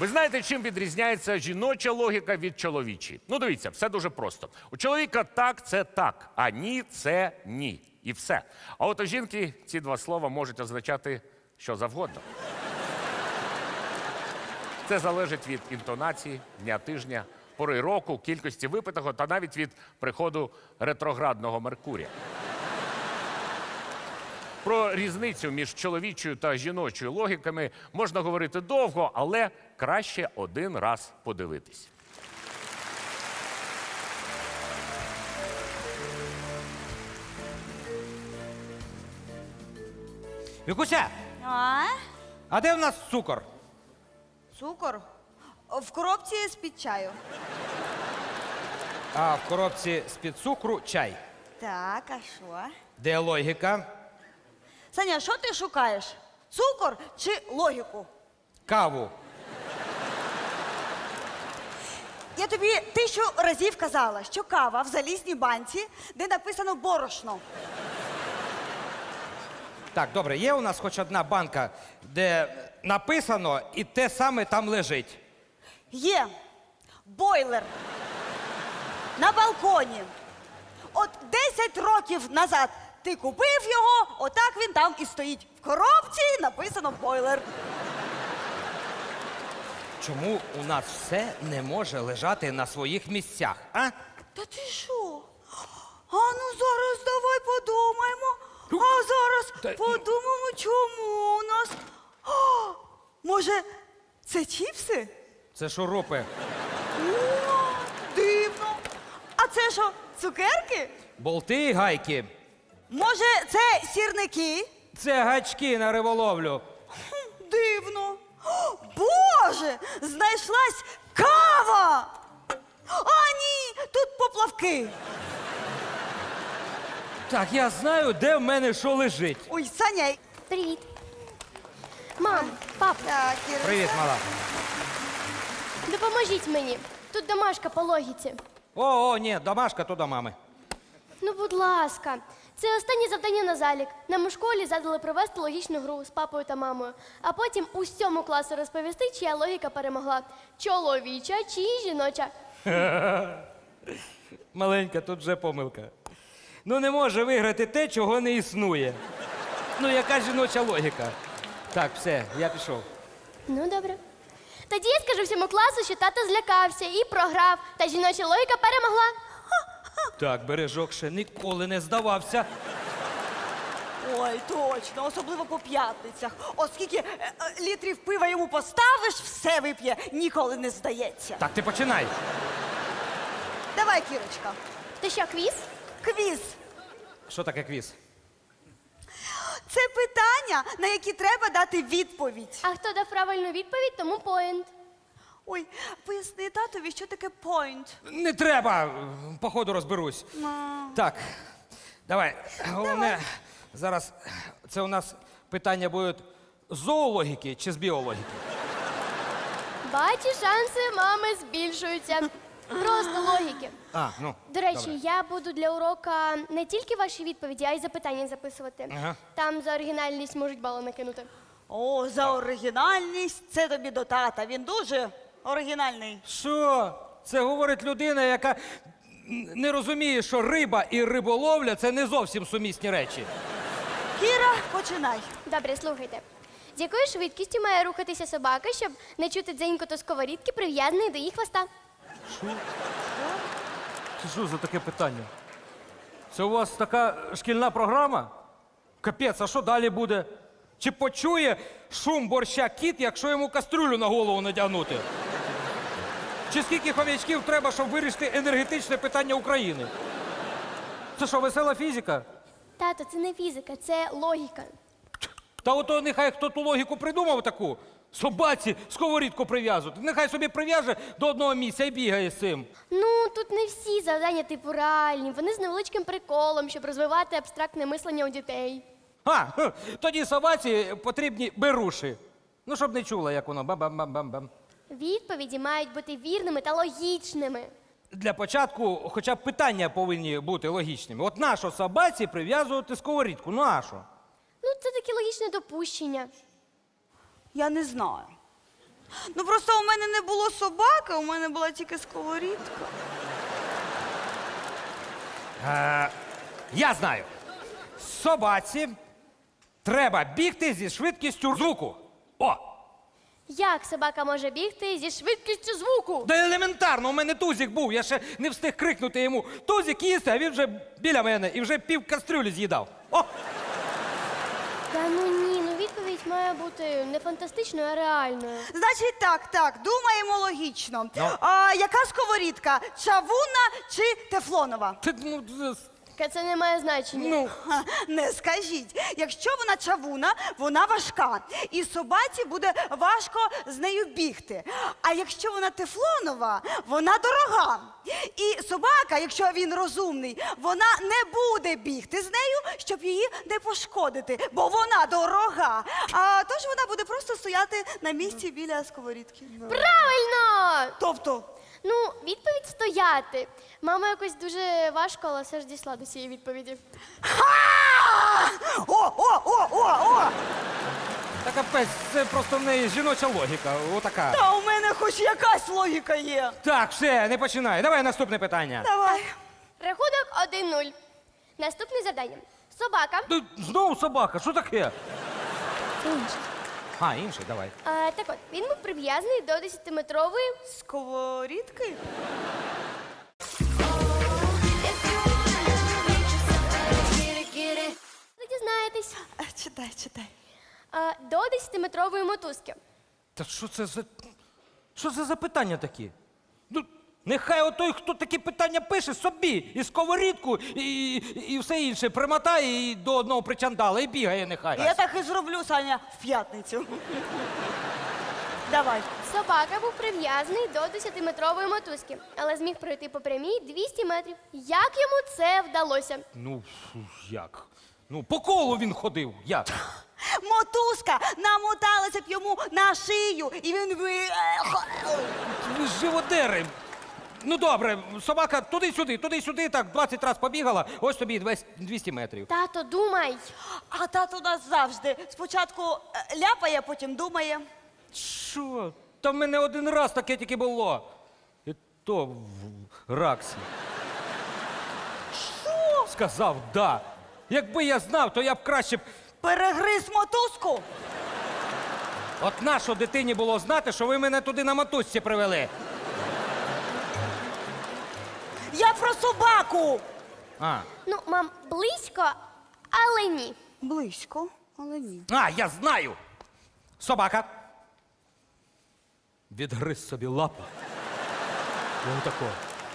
Ви знаєте, чим відрізняється жіноча логіка від чоловічої? Ну, дивіться, все дуже просто. У чоловіка так – це так, а ні – це ні. І все. А от у жінки ці два слова можуть означати що завгодно. Це залежить від інтонації, дня тижня, пори року, кількості випитого та навіть від приходу ретроградного Меркурія. Про різницю між чоловічою та жіночою логіками можна говорити довго, але краще один раз подивитись. Вікуся, А? а де в нас цукор? Цукор? В коробці з-під чаю. А в коробці з-під цукру чай. Так, а що? Де логіка? Саня, що ти шукаєш? Цукор чи логіку? Каву. Я тобі 1000 разів казала, що кава в залізній банці, де написано борошно. Так, добре, є у нас хоч одна банка, де написано і те саме там лежить. Є бойлер на балконі. От 10 років назад ти купив його, отак він там і стоїть. В коробці написано бойлер. Чому у нас все не може лежати на своїх місцях, а? Та ти що? А ну зараз давай подумаємо. А зараз подумаємо, чому у нас. А, може, це чіпси? Це шурупи. О, дивно. А це що, цукерки? Болти і гайки. Може, це сірники? Це гачки на риболовлю. Дивно. О, Боже, знайшлась кава! А ні, тут поплавки. Так, я знаю, де в мене що лежить. Ой, Саня. Привіт. Мам, пап, Так, Іриса. Привіт, мала. допоможіть мені. Тут домашка по логіці. О, ні, домашка то до мами. Ну, будь ласка. Це останнє завдання на залік. Нам у школі задали провести логічну гру з папою та мамою, а потім усьому класу розповісти, чия логіка перемогла. Чоловіча чи жіноча. Маленька, тут вже помилка. Ну не може виграти те, чого не існує. Ну, яка жіноча логіка? Так, все, я пішов. Ну, добре. Тоді я скажу всьому класу, що тато злякався і програв, та жіноча логіка перемогла. Так, бережок ще ніколи не здавався. Ой, точно, особливо по п'ятницях. Оскільки літрів пива йому поставиш, все вип'є, ніколи не здається. Так, ти починай. Давай, Кірочка, То що, квіз? квіз. Що таке квіз? Це питання, на які треба дати відповідь. А хто дав правильну відповідь, тому поінт. Ой, поясни татові, що таке point. Не треба, по ходу розберусь. Так, давай. Головне, зараз це у нас питання будуть з зоологіки чи з біологіки? Бачу, шанси мами збільшуються. Просто логіки. А, ну. До речі, добре. я буду для урока не тільки ваші відповіді, а й запитання записувати. Ага. Там за оригінальність можуть бали накинути. О, за оригінальність це тобі до тата. Він дуже оригінальний. Що? Це говорить людина, яка не розуміє, що риба і риболовля це не зовсім сумісні речі. Кіра, починай. Добре, слухайте. З якою швидкістю має рухатися собака, щоб не чути дзенькоту сковорідки, прив'язаної до її хвоста? Це що за таке питання? Це у вас така шкільна програма? Капець, а що далі буде? Чи почує шум борща кіт, якщо йому кастрюлю на голову надягнути? Чи скільки хомячків треба, щоб вирішити енергетичне питання України? Це що, весела фізика? Тато, це не фізика, це логіка. Та ото нехай хто ту логіку придумав таку. Собаці сковорідку прив'язувати. Нехай собі прив'яже до одного місця і бігає з цим. Ну, тут не всі завдання типу реальні. Вони з невеличким приколом, щоб розвивати абстрактне мислення у дітей. Тоді собаці потрібні беруші. Ну, щоб не чула, як воно бам-бам-бам-бам-бам. Відповіді мають бути вірними та логічними. Для початку хоча б питання повинні бути логічними. От нащо собаці прив'язувати сковорідку? Ну, а що? Ну, це таке логічне допущення. Я не знаю. Ну просто у мене не було собаки, у мене була тільки сковорідка. Я знаю. Собаці треба бігти зі швидкістю звуку. О! Як собака може бігти зі швидкістю звуку? Да елементарно, у мене тузик був, я ще не встиг крикнути йому «Тузик їсти», а він вже біля мене і вже пів кастрюлі з'їдав. О! Та ну ні, ну відповідь має бути не фантастичною, а реальною. Значить, так, думаємо логічно. Ну? А яка сковорідка? Чавунна чи тефлонова? Це не має значення. Ну, Ха, не скажіть. Якщо вона чавуна, вона важка. І собаці буде важко з нею бігти. А якщо вона тефлонова, вона дорога. І собака, якщо він розумний, вона не буде бігти з нею, щоб її не пошкодити, бо вона дорога. А тож вона буде просто стояти на місці біля сковорідки. Правильно! Тобто, Ну, відповідь стояти. Мама якось дуже важко, але все ж дійшла до цієї відповіді. ха! О! та капець, це просто в неї жіноча логіка, отака. Та у мене хоч якась логіка є. Так, все, не починай. Давай наступне питання. Давай. Рахунок 1-0. Наступне завдання. Собака. Ти знову собака, що таке? Це інше. А, інший, давай. Так от, він був прив'язаний до 10-метрової. Сковорідки? Ви дізнаєтесь. Читай. До 10-метрової мотузки. Та що це за питання такі? Ну, нехай отой, хто такі питання пише, собі і сковорідку, і все інше примотає і до одного причандала і бігає нехай. Я так і зроблю, Саня, в п'ятницю. Давай. Собака був прив'язаний до 10-метрової мотузки, але зміг пройти по прямій 200 метрів. Як йому це вдалося? Ну, як? Ну, по колу він ходив. Як? Мотузка намоталася б йому на шию, і він би... Ви ж живодери. Ну добре, собака туди-сюди, так 20 разів побігала, ось тобі і 200 метрів. Тато, думай. А тато у нас завжди. Спочатку ляпає, потім думає. Що? Та в мене один раз таке тільки було. І то в Раксі. Що? Сказав да. Якби я знав, то я б краще б. Перегриз мотузку? От нащо дитині було знати, що ви мене туди на мотузці привели? Я про собаку. А, Ну, мам, близько, але ні. Близько, але ні. я знаю. Собака. Відгриз собі лапу. І отако.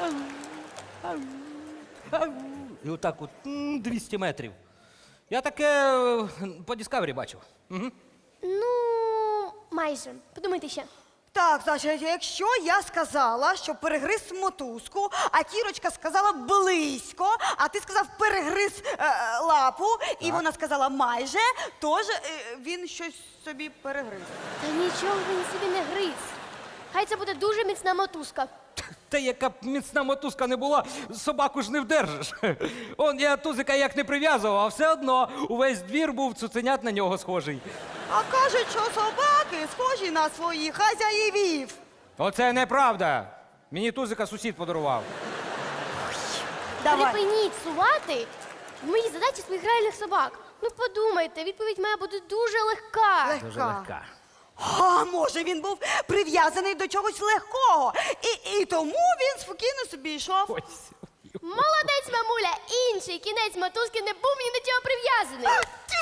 І отак от 200 метрів. Я таке по Discovery бачив. Ну, майже. Подумайте ще. Так, значить, якщо я сказала, що перегриз мотузку, а Кірочка сказала близько, а ти сказав перегриз лапу, і вона сказала майже, тож він щось собі перегриз. Та нічого він собі не гриз. Хай це буде дуже міцна мотузка. Та яка б міцна мотузка не була, собаку ж не вдержиш. Он я тузика як не прив'язував, а все одно увесь двір був цуценят на нього схожий. А кажуть, що собаки схожі на своїх хазяївів. Оце неправда. Мені тузика сусід подарував. Давай. Припиніть сувати в моїй задачі своїх реальних собак. Ну подумайте, відповідь має бути дуже легка. Дуже легка. А може він був прив'язаний до чогось легкого, і тому він спокійно собі йшов. Ось. Молодець, мамуля! Інший кінець мотузки не був ні до чого прив'язаний.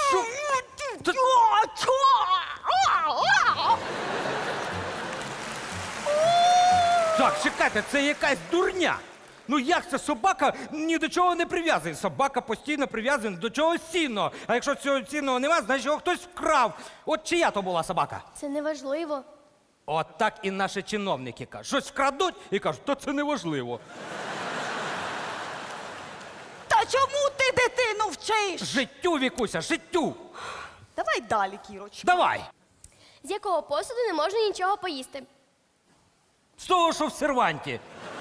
Так, чекайте, це якась дурня. Ну як це собака ні до чого не прив'язана? Собака постійно прив'язана до чогось цінного. А якщо цього цінного нема, значить його хтось вкрав. От чия то була собака? Це неважливо. От так і наші чиновники кажуть. Щось вкрадуть і кажуть, то це неважливо. Та чому ти дитину вчиш? Життю, Вікуся, життю. Давай далі, Кірочка. Давай. З якого посуду не можна нічого поїсти? З того, що в серванті.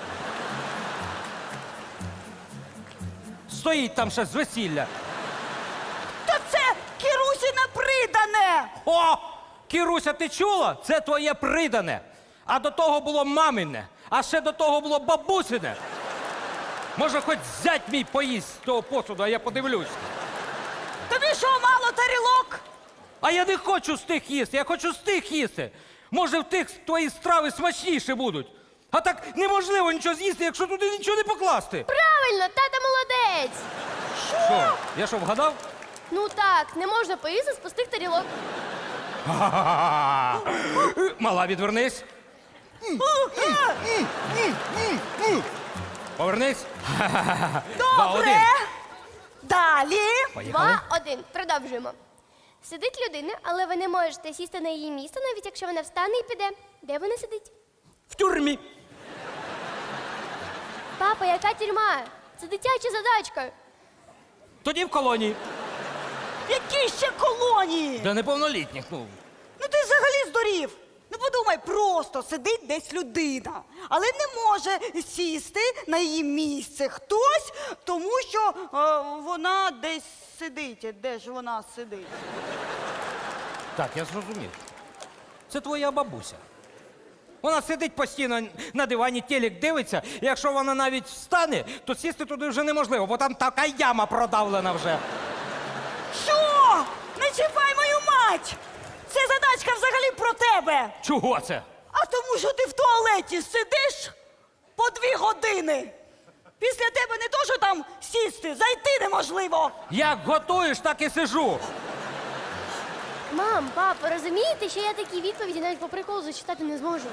Стоїть там ще з весілля. Та це Кірусіне придане! О! Кіруся, ти чула? Це твоє придане. А до того було мамине, а ще до того було бабусине. Може, хоч зять мій поїсть з того посуду, а я подивлюсь. Тобі що, мало тарілок? А я не хочу з тих їсти, я хочу з тих їсти. Може, в тих твої страви смачніші будуть. А так неможливо нічого з'їсти, якщо туди нічого не покласти. Правильно, тата молодець. Що? Я що, вгадав? Ну так, не можна поїсти з пустих тарілок. Мала, відвернись. Повернись. 2-1. Добре. Далі. Поїхали. 2-1. Продовжуємо. Сидить людина, але ви не можете сісти на її місце, навіть якщо вона встане і піде. Де вона сидить? В тюрмі. Папа, яка тюрма? Це дитяча задачка. Тоді в колонії. Які ще колонії? Для неповнолітніх, ну. Ну ти взагалі здурів. Ну подумай, просто сидить десь людина, але не може сісти на її місце хтось, тому що вона десь сидить. Де ж вона сидить? Так, я зрозумів. Це твоя бабуся. Вона сидить постійно на дивані, телек дивиться, і якщо вона навіть встане, то сісти туди вже неможливо, бо там така яма продавлена вже. Що? Не чіпай мою мать! Це задачка взагалі про тебе. Чого це? А тому, що ти в туалеті сидиш по 2 години. Після тебе не то, що там сісти, зайти неможливо. Як готуєш, так і сижу. Мам, папа, розумієте, що я такі відповіді навіть по приколу зачитати не зможу?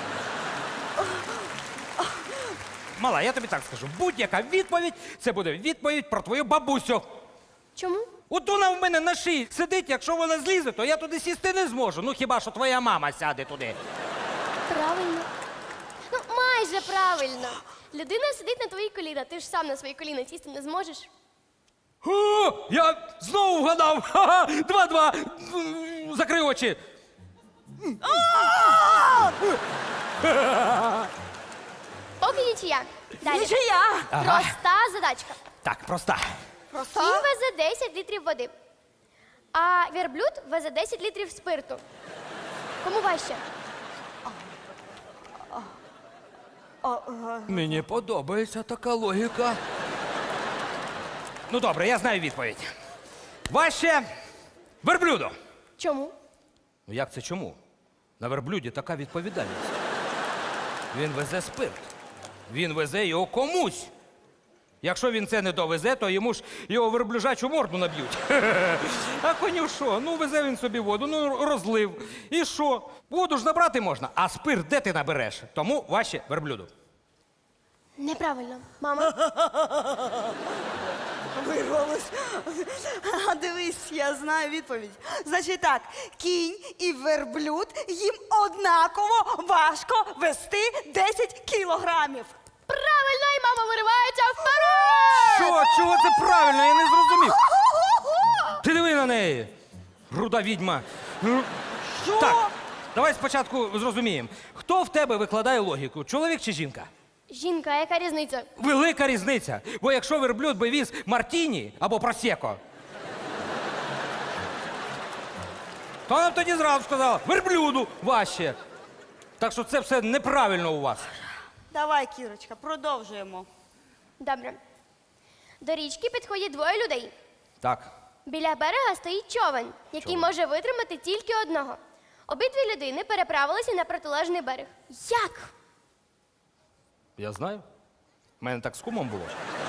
Мала, я тобі так скажу, будь-яка відповідь – це буде відповідь про твою бабусю. Чому? От вона в мене на шиї сидить, якщо вона злізе, то я туди сісти не зможу. Ну хіба що твоя мама сяде туди. Правильно. Ну, майже правильно. Людина сидить на твої коліна, ти ж сам на свої коліна сісти не зможеш. О, я знову вгадав. Ха-ха, 2-2. Закрий очі. Поки нічия. Далі. Нічия. Проста задачка. Так, проста. Просто. Кінь везе 10 літрів води, а верблюд везе 10 літрів спирту. Кому важче? Мені подобається така логіка. Ну добре, я знаю відповідь. Важче верблюду. Чому? Ну як це чому? На верблюді така відповідальність. Він везе спирт. Він везе його комусь. Якщо він це не довезе, то йому ж його верблюжачу морду наб'ють. А коню що? Ну везе він собі воду, ну розлив. І що? Воду ж набрати можна, а спирт де ти набереш? Тому важче верблюду. Неправильно. Мама. Вирвалось. А дивись, я знаю відповідь. Значить так, кінь і верблюд їм однаково важко вести 10 кілограмів. Правильно, і мама виривається вперед! Що? Чого це правильно? Я не зрозумів. Ти диви на неї. Руда відьма. Що? Так, давай спочатку зрозуміємо. Хто в тебе викладає логіку? Чоловік чи жінка? Жінка, а яка різниця? Велика різниця. Бо якщо верблюд би віз мартіні або просеко, то вона б тоді зразу сказала, верблюду важче. Так що це все неправильно у вас. Давай, Кірочка, продовжуємо. Добре. До річки підходять 2 людей. Так. Біля берега стоїть човен, який може витримати тільки одного. Обидві людини переправилися на протилежний берег. Як? Я знаю. У мене так з кумом було.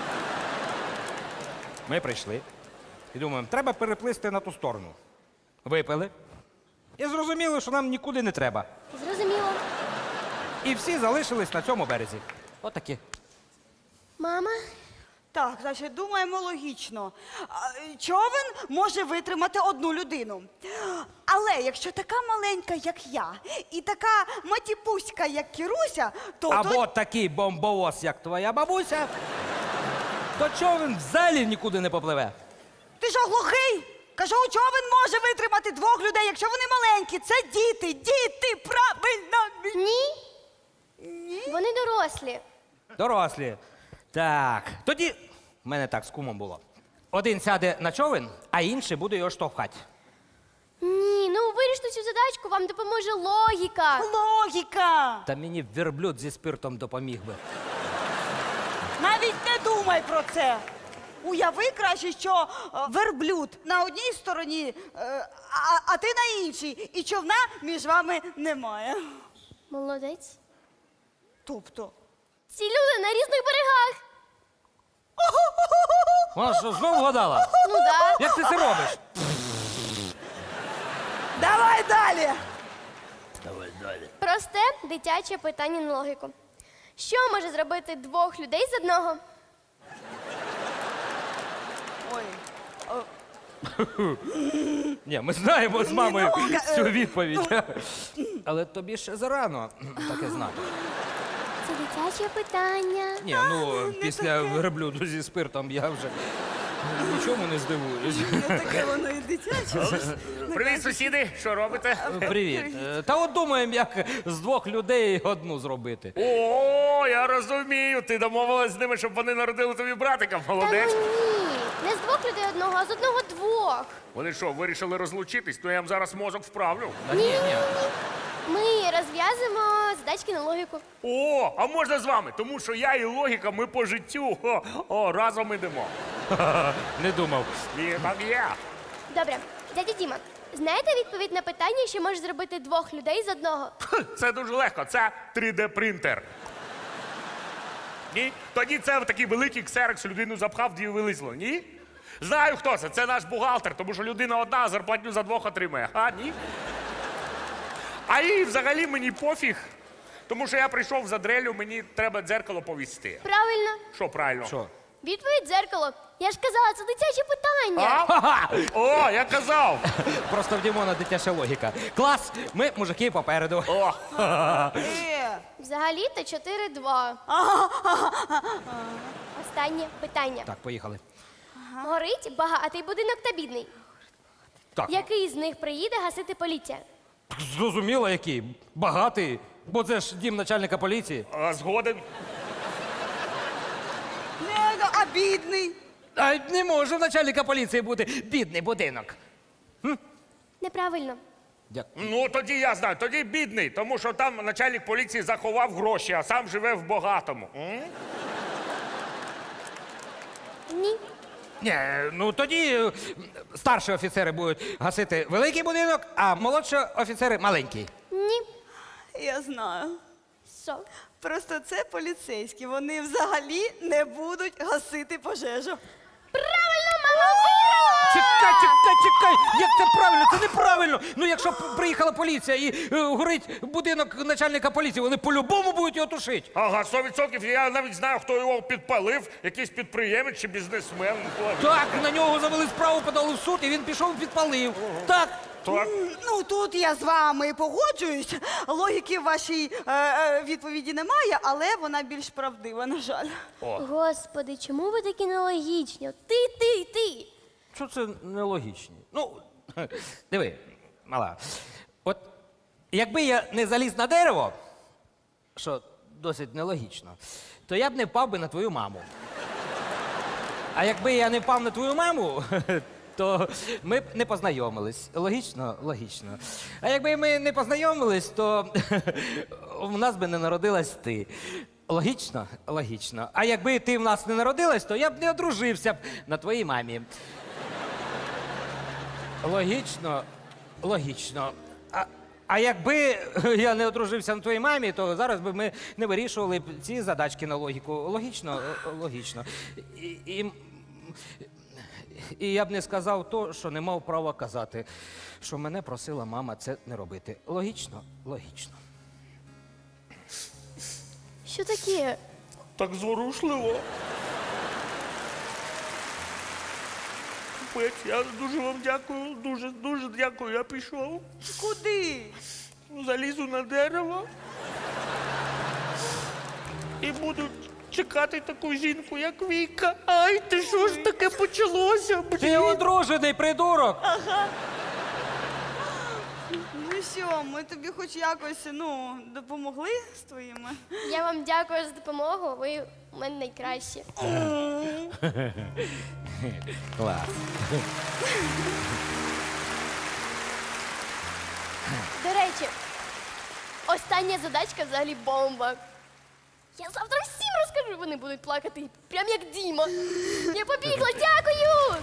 Ми прийшли і думаємо, треба переплисти на ту сторону. Випили. І зрозуміли, що нам нікуди не треба. Зрозуміло. І всі залишились на цьому березі. Отакі. Мама? Так, значить, думаємо логічно. Човен може витримати 1 людину. Але якщо така маленька, як я, і така матіпуська, як Кіруся, то... Або такий бомбовоз, як твоя бабуся, то човен взагалі нікуди не попливе. Ти що, глухий? Кажу, човен може витримати 2 людей, якщо вони маленькі. Це діти, діти, правильно. Ні. Ні. Вони дорослі. Дорослі. Так. Тоді в мене так з кумом було. Один сяде на човен, а інший буде його штовхати. Ні, ну виріште вирішити цю задачку, вам допоможе логіка. Логіка! Та мені верблюд зі спиртом допоміг би. Навіть не думай про це. Уяви краще, що верблюд на одній стороні, а ти на іншій, і човна між вами немає. Молодець. Тобто. Ці люди на різних берегах. Вона що, знову вгадала? Ну да. Як ти це робиш? Давай далі! Просте дитяче питання на логіку. Що може зробити двох людей з одного? Ой. Ні, ми знаємо з мамою Ну, цю відповідь. Але тобі ще зарано таке знати. Це дитяче питання. Ні, ну після верблюду зі спиртом я вже нічому не здивуюсь. Таке воно і дитяче. Привіт, сусіди! Що робите? Привіт. Та от думаємо, як з двох людей одну зробити. О, я розумію. Ти домовилась з ними, щоб вони народили тобі братика. Та ну Молодець. ні. Не з двох людей одного, а з одного двох. Вони що, вирішили розлучитись? То я їм зараз мозок вправлю. Ні. Ми розв'язуємо задачки на логіку. О, а можна з вами? Тому що я і логіка, ми по життю. Разом ідемо. Не думав. І так є. Добре, дядя Діма, знаєте відповідь на питання, що може зробити двох людей з одного? Це дуже легко. Це 3D-принтер. Ні? Тоді це такий великий ксерокс, людину запхав, дві вилізло. Ні? Знаю, хто це. Це наш бухгалтер, тому що людина одна, а зарплатню за двох отримує. А, ні? А і взагалі мені пофіг, тому що я прийшов за дрелю, мені треба дзеркало повісти. Правильно. Що правильно? Що? Відповідь дзеркало. Я ж казала, це дитяче питання. А? О, я казав! Просто в Дімона дитяча логіка. Клас, ми мужики попереду. О, Взагалі-то 4-2. Останнє питання. Так, поїхали. Горить багатий будинок та бідний. Так. Який з них приїде гасити поліція? Зрозуміло, який. Багатий. Бо це ж дім начальника поліції. згоден. Не, а бідний. А не може в начальника поліції бути бідний будинок. Неправильно. Дякую. Ну, тоді я знаю, тоді бідний, тому що там начальник поліції заховав гроші, а сам живе в багатому. Ні. Ні, ну тоді старші офіцери будуть гасити великий будинок, а молодші офіцери маленький. Ні. Я знаю. Що? Просто це поліцейські. Вони взагалі не будуть гасити пожежу. Правильно, мама виграла! Чекай! Як це правильно? Це неправильно! Ну, якщо приїхала поліція і горить будинок начальника поліції, вони по-любому будуть його тушити. Ага, 100%. Я навіть знаю, хто його підпалив, якийсь підприємець чи бізнесмен. Так, на нього завели справу, подали в суд, і він пішов і підпалив. Так. Так. Ну, тут я з вами погоджуюсь. Логіки в вашій відповіді немає, але вона більш правдива, на жаль. Господи, чому ви такі нелогічні? Ти. Що це нелогічні? Ну, диви, мала. От якби я не заліз на дерево, що досить нелогічно, то я б не впав би на твою маму. А якби я не впав на твою маму, то ми б не познайомились. Логічно? Логічно. А якби ми не познайомились, то в нас би не народилась ти. Логічно? Логічно. А якби ти в нас не народилась, то я б не одружився б на твоїй мамі. Логічно? Логічно. А якби я не одружився на твоїй мамі, то зараз би ми не вирішували б ці задачки на логіку. Логічно? Логічно. І я б не сказав то, що не мав права казати, що мене просила мама це не робити. Логічно? Логічно. Що таке? Так зворушливо. Капець, я дуже вам дякую, дуже дякую. Я пішов, Куди? залізу на дерево і буду чекати таку жінку, як Віка. Ай, ти що ж таке почалося? Ти одружений, придурок! Ну що, ми тобі хоч якось, допомогли з твоїми? Я вам дякую за допомогу. Ви у мене найкращі. Клас. До речі, остання задачка взагалі бомба. Я завтра всім розкажу, вони будуть плакати, прям як Діма. Я побігла, дякую!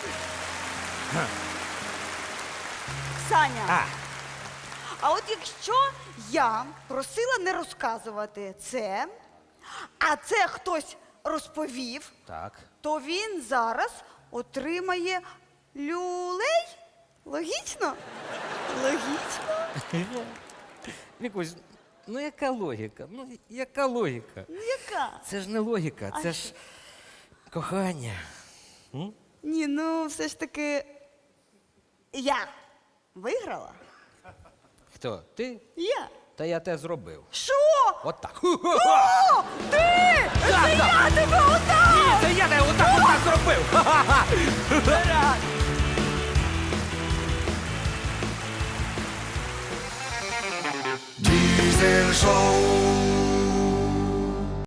Саня, а от якщо я просила не розказувати це, а це хтось розповів, Так. то він зараз отримає люлей? Логічно? Логічно? Вікусь, ну яка логіка? Ну яка логіка? Ну яка? Це ж не логіка, А це ж кохання. Ні, ну все ж таки я виграла. Хто? Ти? Я. Та я те зробив. Що? От так. О, ти! Це я тебе отак! Ні, це я тебе отак зробив. Diesel Show.